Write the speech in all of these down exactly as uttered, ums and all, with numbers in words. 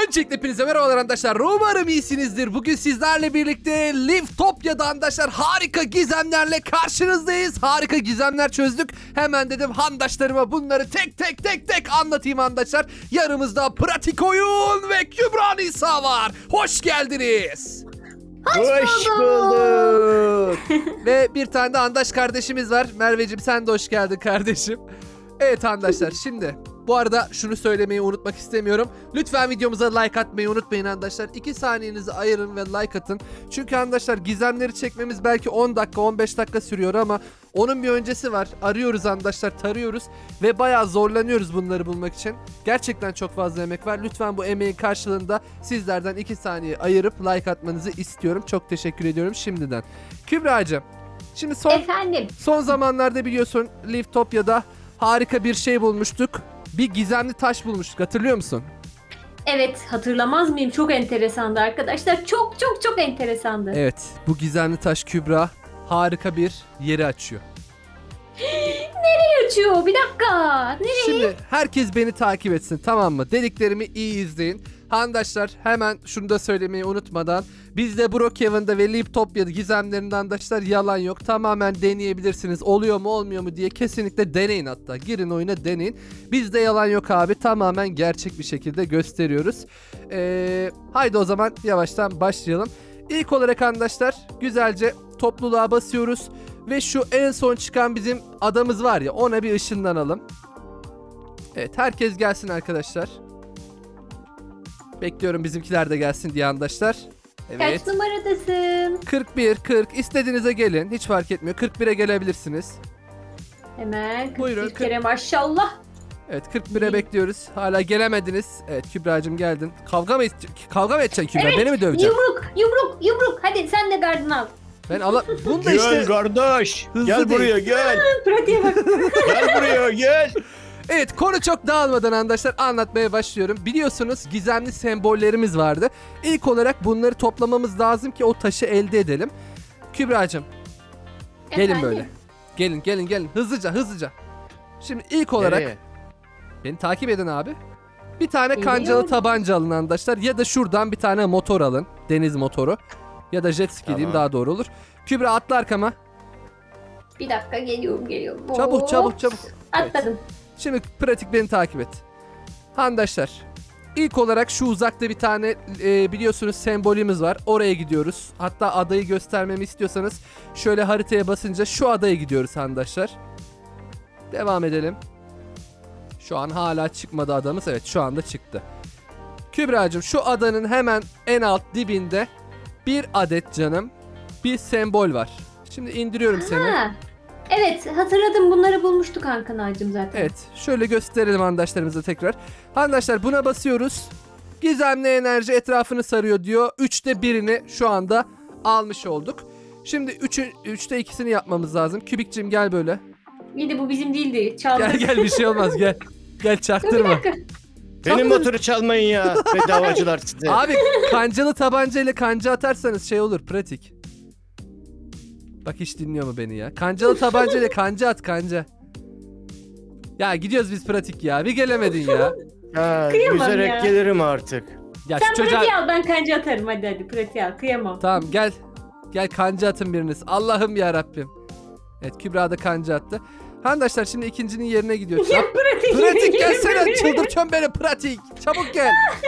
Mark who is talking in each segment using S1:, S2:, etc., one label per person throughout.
S1: Öncelikle hepinize merhabalar arkadaşlar. Umarım iyisinizdir. Bugün sizlerle birlikte Liftopya'da arkadaşlar harika gizemlerle karşınızdayız. Harika gizemler çözdük. Hemen dedim handaşlarıma bunları tek tek tek tek anlatayım arkadaşlar. Yanımızda Pratik Oyun ve Kübra Nisa var. Hoş geldiniz.
S2: Hoş bulduk.
S1: Ve bir tane de Handaş kardeşimiz var. Merveciğim sen de hoş geldin kardeşim. Evet arkadaşlar, şimdi bu arada şunu söylemeyi unutmak istemiyorum. Lütfen videomuza like atmayı unutmayın arkadaşlar. iki saniyenizi ayırın ve like atın. Çünkü arkadaşlar gizemleri çekmemiz belki on dakika on beş dakika sürüyor ama onun bir öncesi var. Arıyoruz arkadaşlar, tarıyoruz ve bayağı zorlanıyoruz bunları bulmak için. Gerçekten çok fazla emek var. Lütfen bu emeğin karşılığında sizlerden iki saniye ayırıp like atmanızı istiyorum. Çok teşekkür ediyorum şimdiden. Kübra'cığım, şimdi son
S3: Efendim.
S1: son zamanlarda biliyorsun Liftopya'da harika bir şey bulmuştuk. Bir gizemli taş bulmuştuk, hatırlıyor musun?
S3: Evet, hatırlamaz mıyım? Çok enteresandı arkadaşlar. Çok çok çok enteresandı.
S1: Evet, bu gizemli taş Kübra harika bir yeri açıyor.
S3: Nereye açıyor? Bir dakika. Nereye?
S1: Şimdi herkes beni takip etsin, tamam mı? Dediklerimi iyi izleyin. Handaşlar, hemen şunu da söylemeyi unutmadan, bizde Brookhaven'da ve Liftopya'da gizemlerinde handaşlar yalan yok. Tamamen deneyebilirsiniz. Oluyor mu olmuyor mu diye kesinlikle deneyin hatta. Girin oyuna deneyin. Bizde yalan yok abi. Tamamen gerçek bir şekilde gösteriyoruz. Ee, haydi o zaman yavaştan başlayalım. İlk olarak arkadaşlar güzelce topluluğa basıyoruz. Ve şu en son çıkan bizim adamız var ya, ona bir ışınlanalım. Evet, herkes gelsin arkadaşlar. Bekliyorum bizimkiler de gelsin diye arkadaşlar. Evet.
S3: Kaç numaradasın?
S1: kırk bir, kırk istediğinize gelin. Hiç fark etmiyor. kırk bire gelebilirsiniz.
S3: Hemen kırk bir
S1: Buyurun,
S3: kere maşallah.
S1: Evet, kırk bire bekliyoruz. Hala gelemediniz. Evet, Kübra'cığım geldin. Kavga mı kavga mı edeceksin Kübra?
S3: Evet,
S1: Beni mi döveceksin?
S3: Yumruk yumruk yumruk. Hadi sen de gardını al.
S1: Ben ala bunu da
S2: Gel
S1: işte
S2: kardeş.
S1: hızlı
S2: Gel
S1: değil.
S2: buraya gel.
S3: Pratiğe bak.
S2: Gel buraya gel.
S1: Evet, konu çok dağılmadan arkadaşlar anlatmaya başlıyorum. Biliyorsunuz gizemli sembollerimiz vardı. İlk olarak bunları toplamamız lazım ki o taşı elde edelim. Kübra'cığım gelin
S3: Efendim?
S1: böyle. Gelin gelin gelin hızlıca hızlıca. Şimdi ilk olarak
S2: Nereye?
S1: beni takip edin abi. Bir tane
S3: Geliyorum.
S1: kancalı tabanca alın arkadaşlar. Ya da şuradan bir tane motor alın. Deniz motoru. Ya da jet ski diyeyim,
S2: Tamam.
S1: daha doğru olur. Kübra atla arkama.
S3: Bir dakika geliyorum geliyorum.
S1: Çabuk
S3: Hop.
S1: çabuk çabuk.
S3: Atladım.
S1: Şimdi pratik beni takip et. Handaşlar, ilk olarak şu uzakta bir tane e, biliyorsunuz sembolümüz var. Oraya gidiyoruz. Hatta adayı göstermemi istiyorsanız şöyle haritaya basınca şu adaya gidiyoruz handaşlar. Devam edelim. Şu an hala çıkmadı adamız. Evet, şu anda çıktı. Kübra'cığım, şu adanın hemen en alt dibinde bir adet canım bir sembol var. Şimdi indiriyorum seni.
S3: Ha. Evet, hatırladım, bunları bulmuştuk Hakan ağacım zaten.
S1: Evet, şöyle gösterelim arkadaşlarımıza tekrar. Arkadaşlar buna basıyoruz. Gizemli enerji etrafını sarıyor diyor. Üçte birini şu anda almış olduk. Şimdi üçün, üçte ikisini yapmamız lazım. Kübikciğim gel böyle.
S3: İyi de bu bizim değildi. Çaldık.
S1: Gel gel, bir şey olmaz, gel. Gel
S3: Dur bir
S1: çaktırma.
S3: dakika.
S2: Benim motoru çalmayın ya. Bedavacılar size.
S1: Abi kancalı tabanca ile kanca atarsanız şey olur, pratik. Bak hiç dinliyor mu beni ya? Kancalı tabanca ile kanca at, kanca. Ya gidiyoruz biz pratik ya. Bir gelemedin ya.
S2: Ha,
S3: Kıyamam
S2: yüzerek
S3: ya.
S2: gelirim artık.
S1: Ya
S3: Sen
S1: şu çocuğa...
S3: pratiği al, ben kanca atarım, hadi hadi pratiği al, kıyamam.
S1: Tamam gel. Gel kanca atın biriniz. Allah'ım ya Rabbim. Evet, Kübra da kanca attı. Arkadaşlar şimdi ikincinin yerine gidiyor.
S3: Ya
S1: Yap.
S3: pratik.
S1: Pratik gelsene, çıldırtıyorsun beni pratik. Çabuk gel.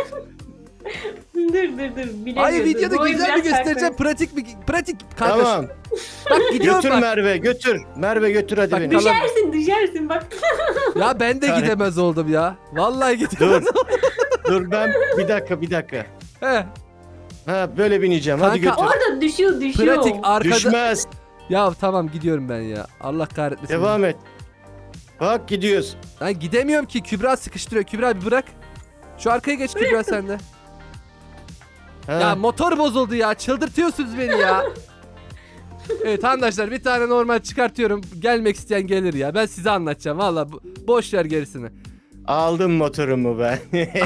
S3: dur dur dur. Bilemiyorum.
S1: Hayır, videoda
S3: Boyu
S1: güzel mi
S3: biraz
S1: göstereceğim?
S3: farklı.
S1: Pratik mi? Pratik kanka.
S2: Tamam.
S1: Bak gidiyorum
S2: Götür
S1: bak.
S2: Merve götür. Merve götür hadi
S1: Bak,
S2: beni.
S1: kalan-
S3: Düşersin düşersin bak.
S1: Ya ben de
S2: Hayır.
S1: gidemez oldum ya. Vallahi gidemez.
S2: Dur. Dur ben bir dakika bir dakika.
S1: He.
S2: Ha böyle bineceğim. Hadi
S1: Kanka,
S2: götür.
S3: Orada düşüyor düşüyor.
S1: Pratik arkada.
S2: Düşmez.
S1: Ya tamam gidiyorum ben ya. Allah kahretmesin.
S2: Devam et. Bak gidiyoruz.
S1: Ben gidemiyorum ki, Kübra sıkıştırıyor. Kübra bir bırak. Şu arkaya geç Kübra sen de.
S2: Ha.
S1: Ya motor bozuldu ya. Çıldırtıyorsunuz beni ya. Evet arkadaşlar, bir tane normal çıkartıyorum. Gelmek isteyen gelir ya. Ben size anlatacağım. Valla boş ver gerisini.
S2: Aldım motorumu ben.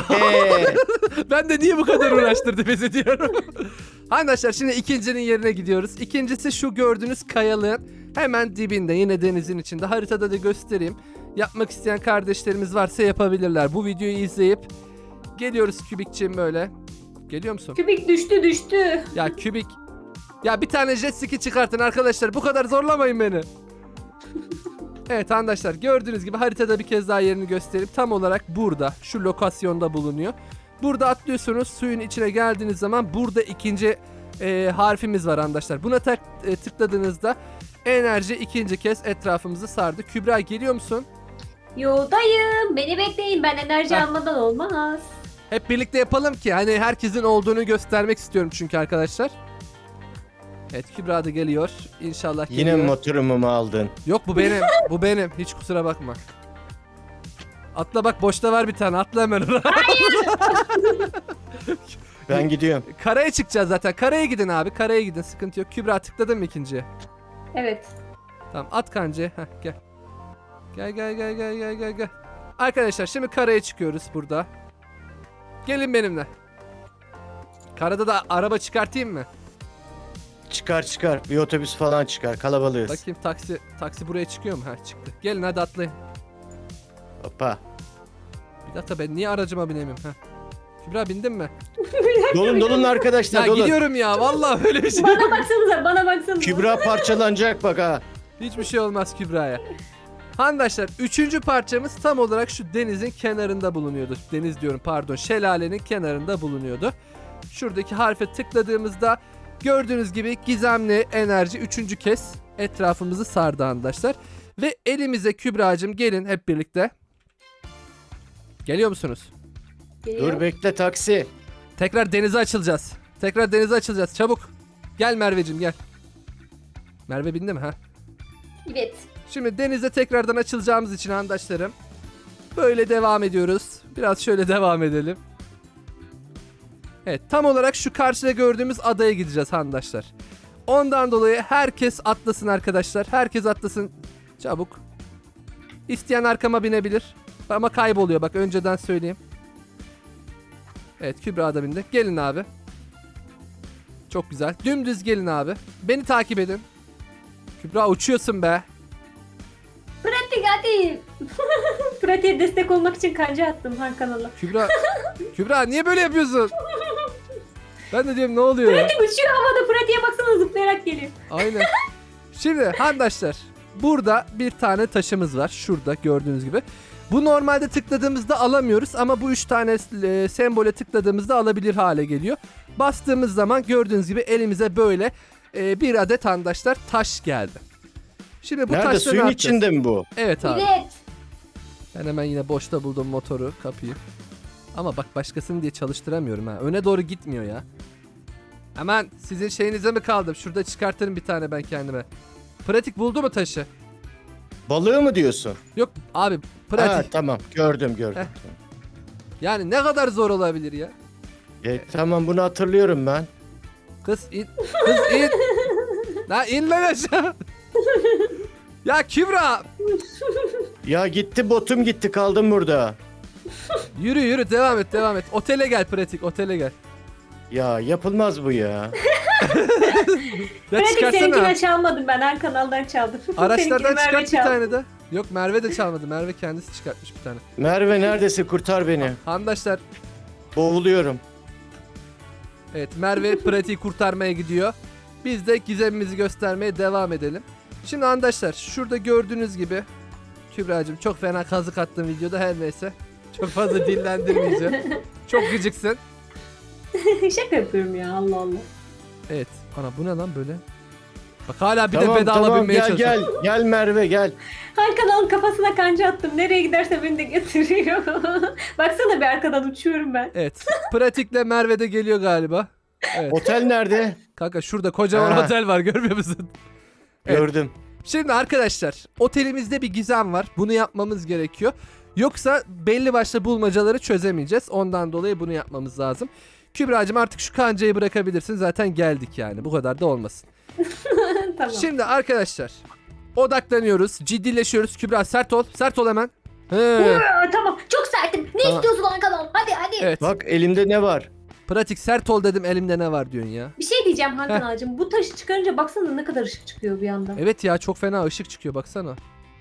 S1: Ben de niye bu kadar uğraştırdı bizi diyorum. Arkadaşlar şimdi ikincinin yerine gidiyoruz. İkincisi şu gördüğünüz kayalığın hemen dibinde, yine denizin içinde. Haritada da göstereyim. Yapmak isteyen kardeşlerimiz varsa yapabilirler. Bu videoyu izleyip Geliyoruz Kübikçiğim böyle. Geliyor musun?
S3: Kübik düştü düştü.
S1: Ya Kübik. Ya bir tane jet ski çıkartın arkadaşlar. Bu kadar zorlamayın beni. Evet arkadaşlar gördüğünüz gibi haritada bir kez daha yerini göstereyim. Tam olarak burada. Şu lokasyonda bulunuyor. Burada atlıyorsunuz. Suyun içine geldiğiniz zaman burada ikinci e, harfimiz var arkadaşlar. Buna tak, e, tıkladığınızda enerji ikinci kez etrafımızı sardı. Kübra geliyor musun?
S3: Yoldayım. Beni bekleyin. Ben enerji
S1: Heh.
S3: almadan olmaz.
S1: Hep birlikte yapalım ki hani herkesin olduğunu göstermek istiyorum çünkü arkadaşlar. Evet Kübra da geliyor. İnşallah
S2: Yine
S1: geliyor.
S2: motorumu mu aldın?
S1: Yok bu benim. Bu benim. Hiç kusura bakma. Atla bak boşta var bir tane. Atla hemen ona.
S2: Ben gidiyorum.
S1: Karaya çıkacağız zaten. Karaya gidin abi. Karaya gidin. Sıkıntı yok. Kübra tıkladın mı ikinciye?
S3: Evet.
S1: Tamam at kancayı. Heh, gel. Gel gel gel gel gel gel gel. Arkadaşlar şimdi karaya çıkıyoruz burada. Gelin benimle. Karada da araba çıkartayım mı?
S2: Çıkar çıkar. Bir otobüs falan çıkar. Kalabalığız.
S1: Bakayım taksi taksi buraya çıkıyor mu? Ha çıktı. Gelin hadi atlayın.
S2: Hoppa.
S1: Bir dakika ben niye aracıma binemiyorum? Ha. Kübra bindin mi?
S2: Dolun dolun arkadaşlar
S1: Ya
S2: dolun.
S1: gidiyorum ya vallahi öyle bir şey.
S3: Bana baksanıza bana baksanıza.
S2: Kübra parçalanacak bak ha.
S1: Hiçbir şey olmaz Kübra'ya. Arkadaşlar üçüncü parçamız tam olarak şu denizin kenarında bulunuyordu. Deniz diyorum pardon şelalenin kenarında bulunuyordu. Şuradaki harfe tıkladığımızda gördüğünüz gibi gizemli enerji üçüncü kez etrafımızı sardı arkadaşlar. Ve elimize Kübra'cığım gelin hep birlikte. Geliyor musunuz?
S3: Geliyor.
S2: Dur bekle taksi.
S1: Tekrar denize açılacağız. Tekrar denize açılacağız çabuk. Gel Merveciğim gel. Merve bindi mi ha?
S3: Evet.
S1: Şimdi denize tekrardan açılacağımız için arkadaşlarım böyle devam ediyoruz. Biraz şöyle devam edelim. Evet tam olarak şu karşıda gördüğümüz adaya gideceğiz arkadaşlar. Ondan dolayı herkes atlasın arkadaşlar. Herkes atlasın çabuk. İsteyen arkama binebilir. Ama kayboluyor bak önceden söyleyeyim. Evet Kübra da bindi. Gelin abi. Çok güzel. Dümdüz gelin abi. Beni takip edin. Kübra uçuyorsun be.
S3: Pratik hadi. Pratiğe destek olmak için kanca attım Han kanala.
S1: Kübra, Kübra niye böyle yapıyorsun? Ben de diyorum ne oluyor ya?
S3: Pratik uçuyor havada. Pratiğe baksana zıplayarak geliyor.
S1: Aynen. Şimdi arkadaşlar burada bir tane taşımız var. Şurada gördüğünüz gibi. Bu normalde tıkladığımızda alamıyoruz ama bu üç tane e, sembole tıkladığımızda alabilir hale geliyor. Bastığımız zaman gördüğünüz gibi elimize böyle e, bir adet arkadaşlar taş geldi. Şimdi bu
S2: Nerede
S1: taşları
S2: suyun
S1: ne yapacağız?
S2: içinde mi bu?
S1: Evet abi.
S3: Evet.
S1: Ben hemen yine boşta buldum motoru, kapıyı. Ama bak başkasını diye çalıştıramıyorum ha. Öne doğru gitmiyor ya. Hemen sizin şeyinize mi kaldım? Şurada çıkartırım bir tane ben kendime. Pratik buldu mu taşı?
S2: Balığı mı diyorsun?
S1: Yok abi
S2: Ha
S1: pratik.
S2: tamam gördüm gördüm.
S1: Yani ne kadar zor olabilir ya?
S2: E, tamam bunu hatırlıyorum ben.
S1: Kız in. Kız in. La in lan aşağı. Ya Kübra.
S2: Ya gitti botum gitti kaldım burada.
S1: Yürü yürü devam et devam et. Otele gel pratik otele gel.
S2: Ya yapılmaz bu ya.
S1: Ya
S3: Pratik
S1: çıkarsana.
S3: seninkine çalmadım ben. Han kanaldan çaldım.
S1: Araçlardan
S3: Seninkini Merve
S1: çıkart bir
S3: çaldı.
S1: tane de. Yok Merve de çalmadı. Merve kendisi çıkartmış bir tane.
S2: Merve neredesin kurtar beni.
S1: Arkadaşlar
S2: Boğuluyorum.
S1: evet Merve pratiği kurtarmaya gidiyor. Biz de gizemimizi göstermeye devam edelim. Şimdi arkadaşlar şurada gördüğünüz gibi Kübra'cığım çok fena kazık attığım videoda her neyse. Çok fazla dillendirmeyeceğim. Çok gıcıksın.
S3: Şaka yapıyorum ya Allah Allah.
S1: Evet. Ana bu ne lan böyle? Bak hala bir
S2: tamam
S1: de bedava
S2: tamam
S1: binmeye
S2: gel
S1: çalışıyor.
S2: gel. Gel Merve gel.
S3: Han kanalın kafasına kanca attım. Nereye giderse beni de götürüyor. Baksana bir arkadan uçuyorum ben.
S1: Evet. Pratikle Merve de geliyor galiba. Evet.
S2: Otel nerede?
S1: Kanka şurada kocaman
S2: Ha.
S1: otel var görmüyor musun? Evet.
S2: Gördüm.
S1: Şimdi arkadaşlar otelimizde bir gizem var. Bunu yapmamız gerekiyor. Yoksa belli başlı bulmacaları çözemeyeceğiz. Ondan dolayı bunu yapmamız lazım. Kübra'cığım artık şu kancayı bırakabilirsin. Zaten geldik yani. Bu kadar da olmasın.
S3: Tamam.
S1: Şimdi arkadaşlar odaklanıyoruz. Ciddileşiyoruz. Kübra sert ol. Sert ol hemen. He.
S3: Uuu, tamam çok sertim. Ne
S1: Tamam.
S3: istiyorsun Han kanal? Hadi hadi.
S1: Evet.
S2: Bak elimde ne var?
S1: Pratik sert ol dedim. Elimde ne var diyorsun ya.
S3: Bir şey diyeceğim Han kanalcığım. Bu taşı çıkarınca baksana ne kadar ışık çıkıyor bir anda.
S1: Evet ya çok fena ışık çıkıyor baksana.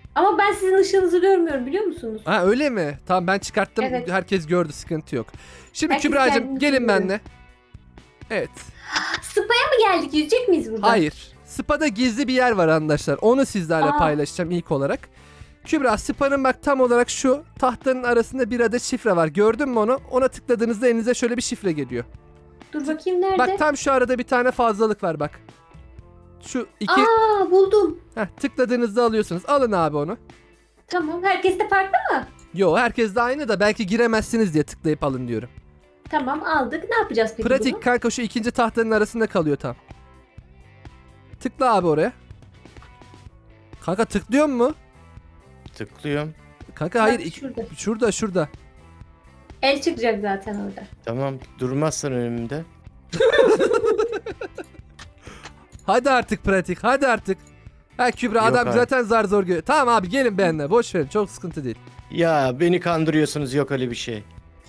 S3: Ama ben sizin ışığınızı görmüyorum biliyor musunuz?
S1: Ha öyle mi? Tamam ben çıkarttım.
S3: Evet.
S1: Herkes gördü, sıkıntı yok. Şimdi
S3: Herkes
S1: Kübra'cığım
S3: kendini
S1: gelin
S3: görüyor.
S1: benimle. Evet.
S3: Spa'ya mı geldik? Yüzecek miyiz burada?
S1: Hayır. Spa'da gizli bir yer var arkadaşlar. Onu sizlerle
S3: Aa.
S1: paylaşacağım ilk olarak. Kübra, Spa'nın bak tam olarak şu tahtanın arasında bir adet şifre var. Gördün mü onu? Ona tıkladığınızda elinize şöyle bir şifre geliyor.
S3: Dur bakayım nerede?
S1: Bak tam şu arada bir tane fazlalık var bak. Şu iki
S3: Aa buldum.
S1: Heh, tıkladığınızda alıyorsunuz. Alın abi onu.
S3: Tamam. Herkes de farklı mı?
S1: Yo, herkes de aynı da belki giremezsiniz diye tıklayıp alın diyorum.
S3: Tamam aldık. Ne yapacağız peki
S1: Pratik
S3: bunu?
S1: kanka, şu ikinci tahtanın arasında kalıyor tam. Tıkla abi oraya. Kanka tıklıyor mu?
S2: Tıklıyorum.
S1: Kanka
S3: Bak,
S1: hayır. iki-
S3: şurada.
S1: Şurada şurada.
S3: El çıkacak zaten orada.
S2: Tamam durmazsan önümde.
S1: Hadi artık pratik, hadi artık. Ha Kübra,
S2: Yok
S1: adam
S2: abi.
S1: zaten zar zor görüyor. Tamam abi gelin benimle, boş verin, çok sıkıntı değil.
S2: Ya beni kandırıyorsunuz, yok öyle bir şey.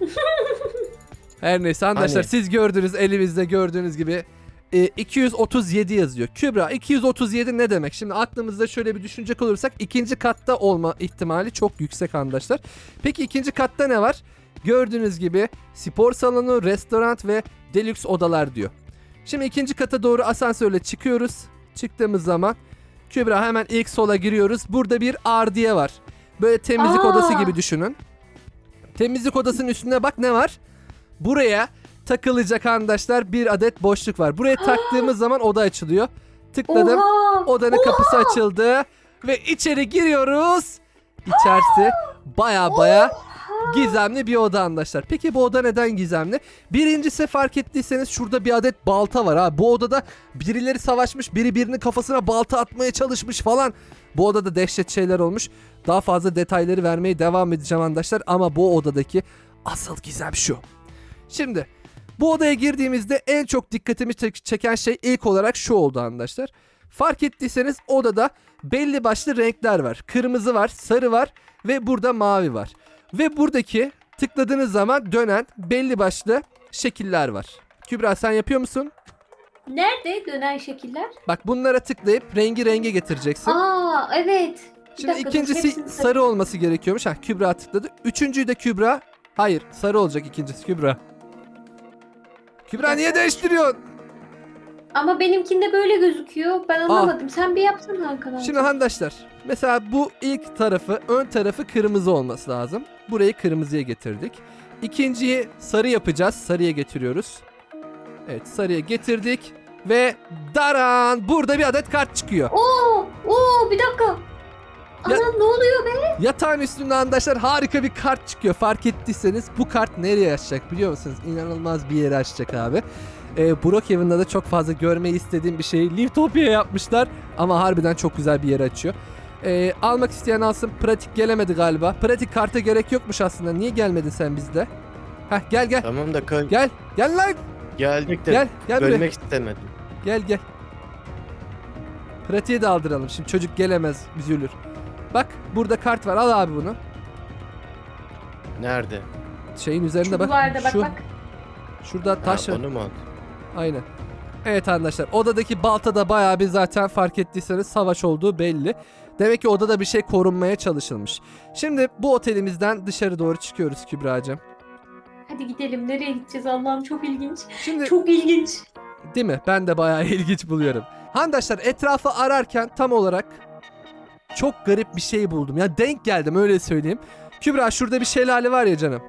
S1: Her neyse arkadaşlar,
S2: Hani?
S1: siz gördünüz, elimizde gördüğünüz gibi e, iki yüz otuz yedi yazıyor. Kübra, iki yüz otuz yedi ne demek? Şimdi aklımızda şöyle bir düşünecek olursak ikinci katta olma ihtimali çok yüksek arkadaşlar. Peki ikinci katta ne var? Gördüğünüz gibi spor salonu, restoran ve deluxe odalar diyor. Şimdi ikinci kata doğru asansörle çıkıyoruz. Çıktığımız zaman Kübra hemen ilk sola giriyoruz. Burada bir ardiye var. Böyle temizlik
S3: Aa!
S1: odası gibi düşünün. Temizlik odasının üstünde bak ne var? Buraya takılacak arkadaşlar bir adet boşluk var. Buraya taktığımız zaman oda açılıyor. Tıkladım.
S3: Oha!
S1: Odanın kapısı açıldı ve içeri giriyoruz. İçerisi baya baya gizemli bir oda arkadaşlar. Peki bu oda neden gizemli? Birincisi, fark ettiyseniz şurada bir adet balta var ha. Bu odada birileri savaşmış, biri birinin kafasına balta atmaya çalışmış falan. Bu odada dehşet şeyler olmuş. Daha fazla detayları vermeye devam edeceğim arkadaşlar ama bu odadaki asıl gizem şu. Şimdi bu odaya girdiğimizde en çok dikkatimi çek- çeken şey ilk olarak şu oldu arkadaşlar. Fark ettiyseniz odada belli başlı renkler var. Kırmızı var, sarı var ve burada mavi var. Ve buradaki tıkladığınız zaman dönen belli başlı şekiller var. Kübra, sen yapıyor musun?
S3: Nerede dönen şekiller?
S1: Bak bunlara tıklayıp rengi renge getireceksin.
S3: Aa evet. Bir
S1: Şimdi
S3: dakika, dur,
S1: ikincisi
S3: hepsini
S1: sarı olması gerekiyormuş. Ha, Kübra tıkladı. Üçüncüyü de Kübra. Hayır, sarı olacak ikincisi Kübra. Kübra niye değiştiriyorsun?
S3: Ama benimkinde böyle gözüküyor. Ben anlamadım. Sen bir yapsana Hakan abi.
S1: Şimdi arkadaşlar, mesela bu ilk tarafı, ön tarafı kırmızı olması lazım. Burayı kırmızıya getirdik. İkinciyi sarı yapacağız. Sarıya getiriyoruz. Evet, sarıya getirdik ve daran, burada bir adet kart çıkıyor.
S3: Oo, oo bir dakika. Anam ne oluyor be?
S1: Yatağın üstünde arkadaşlar harika bir kart çıkıyor. Fark ettiyseniz bu kart nereye açacak biliyor musunuz? İnanılmaz bir yere açacak abi. Ee, Brookhaven'da da çok fazla görmeyi istediğim bir şeyi Liftopia yapmışlar. Ama harbiden çok güzel bir yere açıyor. Ee, almak isteyen alsın. Pratik gelemedi galiba. Pratik karta gerek yokmuş aslında. Niye gelmedin sen bizde? Heh, gel gel.
S2: Tamam da ka-
S1: Gel. Gel lan.
S2: geldik de
S1: Gel. Gel buraya.
S2: bölmek istemedim.
S1: Gel gel. Pratiğe de aldıralım. Şimdi çocuk gelemez. Üzülür. Bak burada kart var. Al abi bunu.
S2: Nerede?
S1: Şeyin üzerinde
S3: Şu
S1: bak.
S3: duvarda bak
S1: Şu,
S3: bak.
S1: şurada taş
S2: Ha,
S1: var.
S2: onu mu aldın?
S1: Aynen. Evet arkadaşlar, odadaki balta da bayağı bir zaten fark ettiyseniz savaş olduğu belli. Demek ki odada bir şey korunmaya çalışılmış. Şimdi bu otelimizden dışarı doğru çıkıyoruz Kübra'cığım.
S3: Hadi gidelim. Nereye gideceğiz Allah'ım çok ilginç.
S1: Şimdi
S3: Çok ilginç.
S1: değil mi? Ben de bayağı ilginç buluyorum. Arkadaşlar etrafı ararken tam olarak çok garip bir şey buldum. Ya denk geldim öyle söyleyeyim. Kübra, şurada bir şelale var ya canım.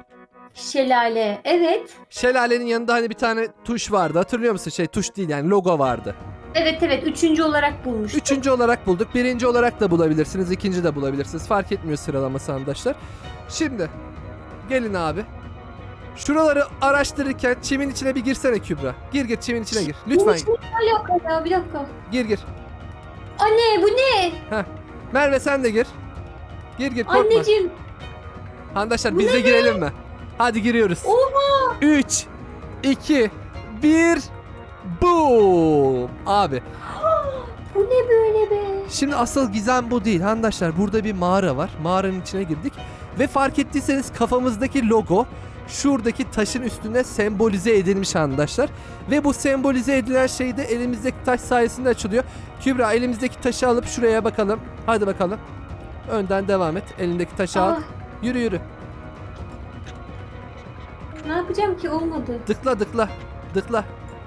S3: Şelale. Evet.
S1: Şelalenin yanında hani bir tane tuş vardı. Hatırlıyor musun? Şey, tuş değil yani, logo vardı.
S3: Evet evet. Üçüncü olarak bulmuştum.
S1: Üçüncü olarak bulduk. Birinci olarak da bulabilirsiniz. İkinci de bulabilirsiniz. Fark etmiyor sıralaması arkadaşlar. Şimdi gelin abi. Şuraları araştırırken çimin içine bir girsene Kübra. Gir gir çimin içine gir. Lütfen
S3: Bu ne alaka ya? Bir dakika.
S1: gir gir.
S3: Anne bu ne?
S1: Merve sen de gir. Gir gir korkma.
S3: Anneciğim.
S1: Arkadaşlar
S3: Bu
S1: biz
S3: ne
S1: de
S3: be?
S1: girelim mi? Hadi giriyoruz.
S3: Oha.
S1: üç, iki, bir, boom. Abi
S3: Bu ne böyle be?
S1: şimdi asıl gizem bu değil arkadaşlar. Burada bir mağara var. Mağaranın içine girdik. Ve fark ettiyseniz kafamızdaki logo şuradaki taşın üstünde sembolize edilmiş arkadaşlar. Ve bu sembolize edilen şey de elimizdeki taş sayesinde açılıyor. Kübra, elimizdeki taşı alıp şuraya bakalım. Hadi bakalım. Önden devam et. Elindeki taşı al.
S3: Aa,
S1: Yürü yürü.
S3: ne yapacağım ki, olmadı.
S1: Dıkla dıkla. Dıkla.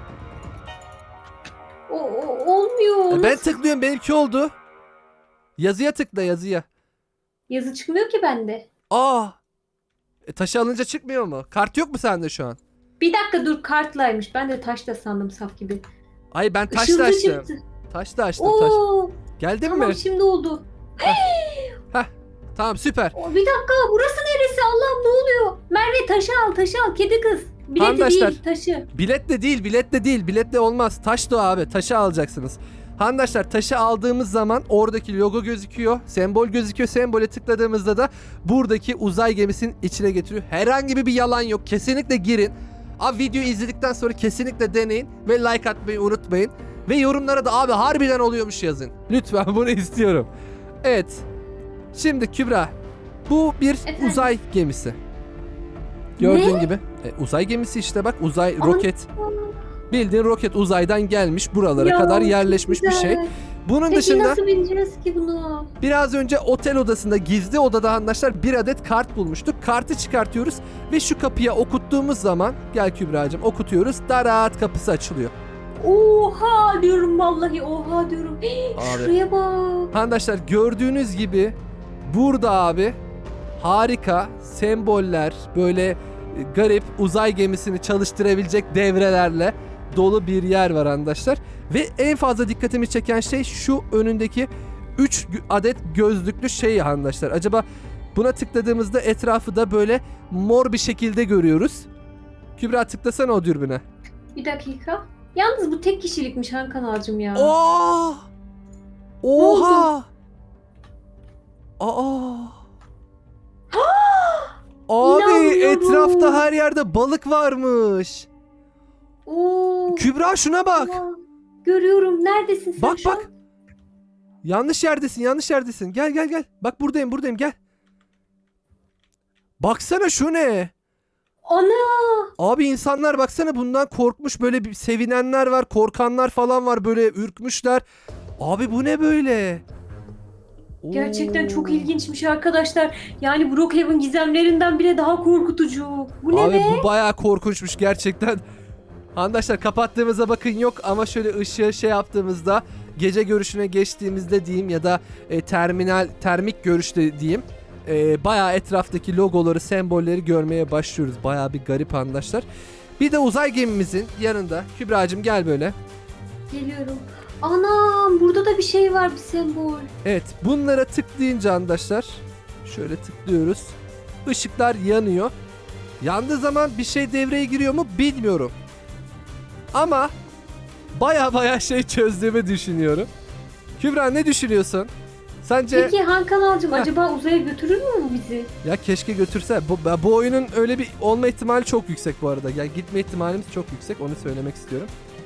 S3: O, o- olmuyor.
S1: E, ben
S3: Nasıl?
S1: tıklıyorum, benimki oldu. Yazıya tıkla, yazıya.
S3: Yazı çıkmıyor ki bende.
S1: Aa. E, taşı alınca çıkmıyor mu? Kart yok mu sende şu an?
S3: Bir dakika dur, kartlaymış. Ben de taşla sandım, saf gibi.
S1: Ay ben taş
S3: Işıltı
S1: da açtım.
S3: çıktı.
S1: Taş da açtım taş.
S3: Oo,
S1: Geldin
S3: tamam
S1: mi?
S3: şimdi oldu.
S1: Tamam süper.
S3: O, bir dakika, burası neresi? Allah'ım, ne oluyor? Merve, taşı al, taşı al, kedi kız. Bileti
S1: Arkadaşlar,
S3: değil, taşı.
S1: Biletle değil, biletle değil. Biletle olmaz. Taş da o abi. Taşı alacaksınız. Arkadaşlar, taşı aldığımız zaman oradaki logo gözüküyor. Sembol gözüküyor. Sembole tıkladığımızda da buradaki uzay gemisinin içine getiriyor. Herhangi bir yalan yok. Kesinlikle girin. Abi videoyu izledikten sonra kesinlikle deneyin. Ve like atmayı unutmayın. Ve yorumlara da abi harbiden oluyormuş yazın. Lütfen bunu istiyorum. Evet. Şimdi Kübra. Bu bir
S3: Efendim?
S1: uzay gemisi. Gördüğün
S3: Ne?
S1: gibi. E, uzay gemisi işte bak. Uzay
S3: Ana.
S1: roket. Bildiğin roket uzaydan gelmiş buralara
S3: Ya,
S1: kadar
S3: çok
S1: yerleşmiş bir şey.
S3: güzel.
S1: Bunun
S3: Peki
S1: dışında
S3: nasıl bineceğiz ki bunu?
S1: biraz önce otel odasında, gizli odada arkadaşlar bir adet kart bulmuştuk. Kartı çıkartıyoruz ve şu kapıya okuttuğumuz zaman, gel Kübra'cığım, okutuyoruz. Darat, kapısı açılıyor.
S3: Oha diyorum, vallahi oha diyorum. Hii,
S1: Abi.
S3: şuraya bak.
S1: Arkadaşlar gördüğünüz gibi burada abi harika semboller, böyle e, garip uzay gemisini çalıştırabilecek devrelerle dolu bir yer var arkadaşlar. Ve en fazla dikkatimi çeken şey şu önündeki üç adet gözlüklü şey arkadaşlar. Acaba buna tıkladığımızda etrafı da böyle mor bir şekilde görüyoruz. Kübra tıklasana o dürbüne.
S3: Bir dakika. Yalnız bu tek kişilikmiş Han Kanalcığım ya.
S1: Aa! Oha! Aa! Abi
S3: İnanmıyorum.
S1: etrafta her yerde balık varmış.
S3: Oo.
S1: Kübra şuna bak.
S3: Allah. Görüyorum. Neredesin sen
S1: Bak
S3: şu
S1: bak.
S3: an?
S1: Yanlış yerdesin, yanlış yerdesin. Gel gel gel. Bak buradayım, buradayım, gel. Baksana şu ne?
S3: Ana.
S1: Abi insanlar baksana bundan korkmuş, böyle bir sevinenler var, korkanlar falan var, böyle ürkmüşler. Abi bu ne böyle?
S3: Gerçekten
S1: Oo.
S3: çok ilginçmiş arkadaşlar. Yani Brookhaven gizemlerinden bile daha korkutucu. Bu ne
S1: Abi
S3: be?
S1: bu bayağı korkunçmuş gerçekten. Arkadaşlar kapattığımızda bakın yok ama şöyle ışığı şey yaptığımızda, gece görüşüne geçtiğimizde diyeyim ya da e, terminal termik görüşte diyeyim, e, bayağı etraftaki logoları, sembolleri görmeye başlıyoruz. Bayağı bir garip arkadaşlar. Bir de uzay gemimizin yanında, Kübra'cığım gel böyle.
S3: Geliyorum. Anam, burada da bir şey var, bir sembol.
S1: Evet, bunlara tıklayınca arkadaşlar şöyle tıklıyoruz. Işıklar yanıyor. Yandığı zaman bir şey devreye giriyor mu bilmiyorum. Ama baya baya şey çözdüğümü düşünüyorum. Kübra ne düşünüyorsun? Sence
S3: Peki Han Kanalcığım,
S1: Heh.
S3: acaba uzaya götürür mü bu bizi?
S1: ya keşke götürse. Bu, bu oyunun öyle bir olma ihtimali çok yüksek bu arada. Yani gitme ihtimalimiz çok yüksek. Onu söylemek istiyorum.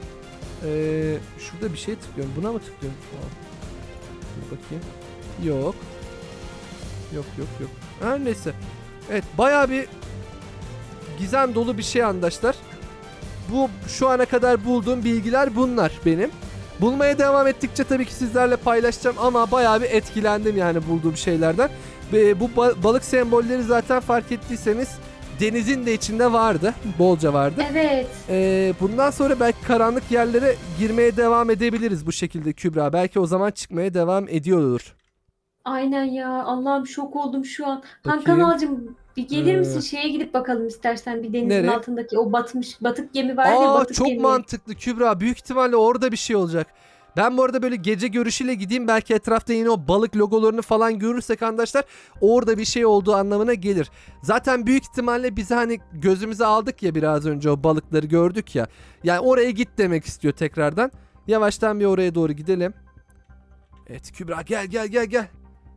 S1: Ee, şurada bir şey tıklıyorum. Buna mı tıklıyorum? Aa, dur bakayım. Yok. Yok yok yok. Her neyse. Evet, bayağı bir gizem dolu bir şey arkadaşlar. Bu şu ana kadar bulduğum bilgiler bunlar benim. Bulmaya devam ettikçe tabii ki sizlerle paylaşacağım ama bayağı bir etkilendim yani bulduğum şeylerden. Ve bu ba- balık sembolleri zaten fark ettiyseniz denizin de içinde vardı. Bolca vardı.
S3: Evet.
S1: Ee, bundan sonra belki karanlık yerlere girmeye devam edebiliriz bu şekilde Kübra. Belki o zaman çıkmaya devam ediyordur.
S3: Aynen ya. Allah'ım, şok oldum şu an. Han
S1: Bakayım.
S3: Kanalcığım, bir gelir
S1: Ee,
S3: misin? Şeye gidip bakalım istersen. Bir denizin
S1: nereye?
S3: altındaki o batmış batık gemi var ya,
S1: Aa
S3: batık
S1: çok
S3: gemi.
S1: mantıklı Kübra. Büyük ihtimalle orada bir şey olacak. Ben bu arada böyle gece görüşüyle gideyim. Belki etrafta yine o balık logolarını falan görürsek arkadaşlar orada bir şey olduğu anlamına gelir. Zaten büyük ihtimalle bize hani gözümüze aldık ya biraz önce, o balıkları gördük ya. Yani oraya git demek istiyor tekrardan. Yavaştan bir oraya doğru gidelim. Evet Kübra gel gel gel gel.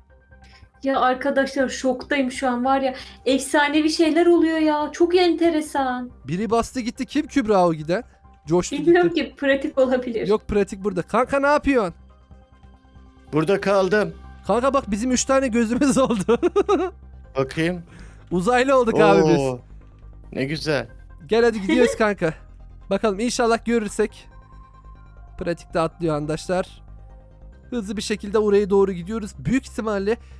S3: Ya arkadaşlar, şoktayım şu an, var ya, efsanevi şeyler oluyor ya. Çok enteresan.
S1: Biri bastı gitti. Kim Kübra o giden? Coştu
S3: Bilmiyorum
S1: gitti.
S3: ki, pratik olabilir.
S1: Yok pratik burada. Kanka ne yapıyorsun?
S2: Burada kaldım.
S1: Kanka bak bizim üç tane gözümüz oldu.
S2: Bakayım.
S1: Uzaylı olduk abi biz.
S2: Oo, ne güzel.
S1: Gel hadi gidiyoruz kanka. Bakalım inşallah görürsek. Pratikte atlıyor arkadaşlar. Hızlı bir şekilde oraya doğru gidiyoruz. Büyük ihtimalle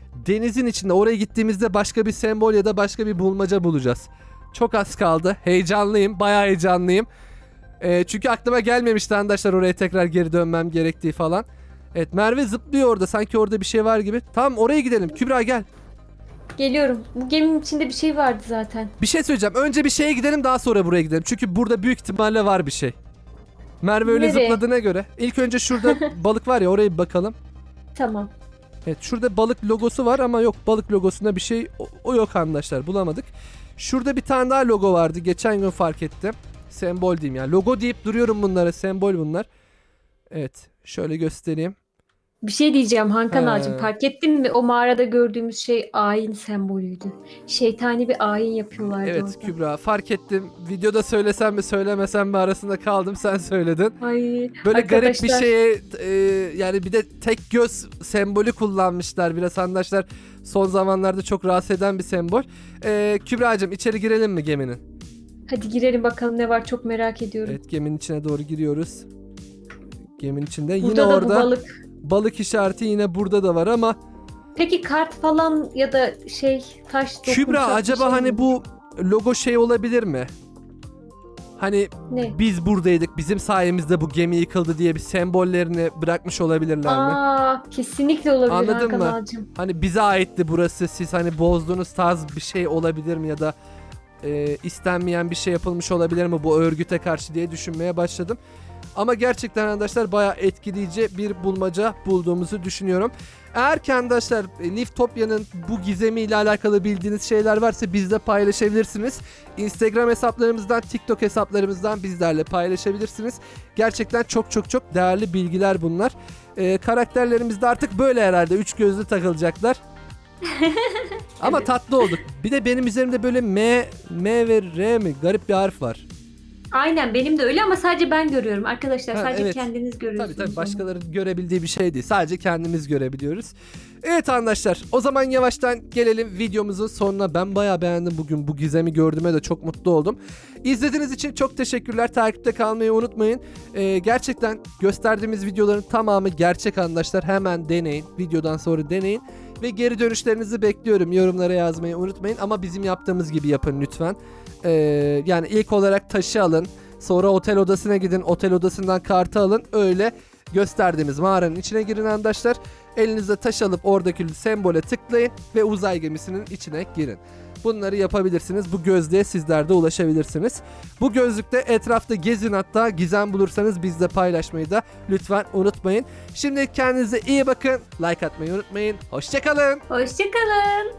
S1: denizin içinde oraya gittiğimizde başka bir sembol ya da başka bir bulmaca bulacağız. Çok az kaldı. Heyecanlıyım. Bayağı heyecanlıyım. Ee, çünkü aklıma gelmemişti arkadaşlar oraya tekrar geri dönmem gerektiği falan. Evet, Merve zıplıyor orada. Sanki orada bir şey var gibi. Tamam, oraya gidelim. Kübra gel.
S3: Geliyorum. Bu geminin içinde bir şey vardı zaten.
S1: Bir şey söyleyeceğim. Önce bir şeye gidelim, daha sonra buraya gidelim. Çünkü burada büyük ihtimalle var bir şey. Merve öyle
S3: Nereye?
S1: zıpladığına göre. İlk önce şurada balık var ya, oraya bir bakalım.
S3: Tamam.
S1: Evet, şurada balık logosu var ama yok, balık logosunda bir şey o, o yok arkadaşlar, bulamadık. Şurada bir tane daha logo vardı, geçen gün fark ettim. Sembol diyeyim yani, logo deyip duruyorum bunlara, sembol bunlar. Evet, şöyle göstereyim.
S3: Bir şey diyeceğim Hakan
S1: He.
S3: ağacım. Fark ettin mi? O mağarada gördüğümüz şey ayin sembolüydü. Şeytani bir ayin yapıyorlardı
S1: Evet
S3: orada.
S1: Kübra, fark ettim. Videoda söylesem mi söylemesem mi arasında kaldım, sen söyledin.
S3: Ay,
S1: Böyle garip bir
S3: arkadaşlar,
S1: şeye e, yani bir de tek göz sembolü kullanmışlar biraz arkadaşlar. Son zamanlarda çok rahatsız eden bir sembol. E, Kübra'cığım, içeri girelim mi geminin?
S3: Hadi girelim bakalım ne var, çok merak ediyorum.
S1: Evet, geminin içine doğru giriyoruz. Geminin içinde yine
S3: Burada da
S1: orada
S3: bu balık.
S1: balık işareti yine burada da var ama
S3: Peki kart falan ya da şey taş dokunacak
S1: Kübra,
S3: bir
S1: acaba
S3: şey
S1: hani
S3: mi?
S1: bu logo şey olabilir mi? Hani
S3: Ne?
S1: biz buradaydık, bizim sayemizde bu gemi yıkıldı diye bir sembollerini bırakmış olabilirler mi?
S3: Aa, kesinlikle olabilir
S1: Anladın
S3: Hakan
S1: mı?
S3: ağacım.
S1: Hani bize aitti burası, siz hani bozduğunuz tarz bir şey olabilir mi ya da e, istenmeyen bir şey yapılmış olabilir mi bu örgüte karşı diye düşünmeye başladım. Ama gerçekten arkadaşlar bayağı etkileyici bir bulmaca bulduğumuzu düşünüyorum. Eğer ki arkadaşlar e, Liftopya'nın bu gizemiyle alakalı bildiğiniz şeyler varsa bizle paylaşabilirsiniz. Instagram hesaplarımızdan, TikTok hesaplarımızdan bizlerle paylaşabilirsiniz. Gerçekten çok çok çok değerli bilgiler bunlar. E, karakterlerimiz de artık böyle herhalde üç gözlü takılacaklar. Ama
S3: Evet.
S1: tatlı olduk. Bir de benim üzerimde böyle M, M ve R mi? Garip bir harf var.
S3: Aynen, benim de öyle ama sadece ben görüyorum arkadaşlar.
S1: Ha,
S3: Sadece
S1: evet.
S3: kendiniz
S1: Tabii
S3: görüyorsunuz.
S1: tabii,
S3: onu.
S1: başkalarının görebildiği bir şey değil. Sadece kendimiz görebiliyoruz. Evet arkadaşlar, o zaman yavaştan gelelim videomuzun sonuna. Ben bayağı beğendim bugün, bu gizemi gördüğüme de çok mutlu oldum. İzlediğiniz için çok teşekkürler. Takipte kalmayı unutmayın. Ee, gerçekten gösterdiğimiz videoların tamamı gerçek arkadaşlar. Hemen deneyin. Videodan sonra deneyin. Ve geri dönüşlerinizi bekliyorum. Yorumlara yazmayı unutmayın. Ama bizim yaptığımız gibi yapın lütfen. Ee, yani ilk olarak taşı alın. Sonra otel odasına gidin. Otel odasından kartı alın. Öyle gösterdiğimiz mağaranın içine girin arkadaşlar. Elinizde taş alıp oradaki sembole tıklayın ve uzay gemisinin içine girin. Bunları yapabilirsiniz. Bu gözlüğe sizler de ulaşabilirsiniz. Bu gözlükte etrafta gezin, hatta gizem bulursanız bizle paylaşmayı da lütfen unutmayın. Şimdi kendinize iyi bakın. Like atmayı unutmayın. Hoşça kalın.
S3: Hoşçakalın.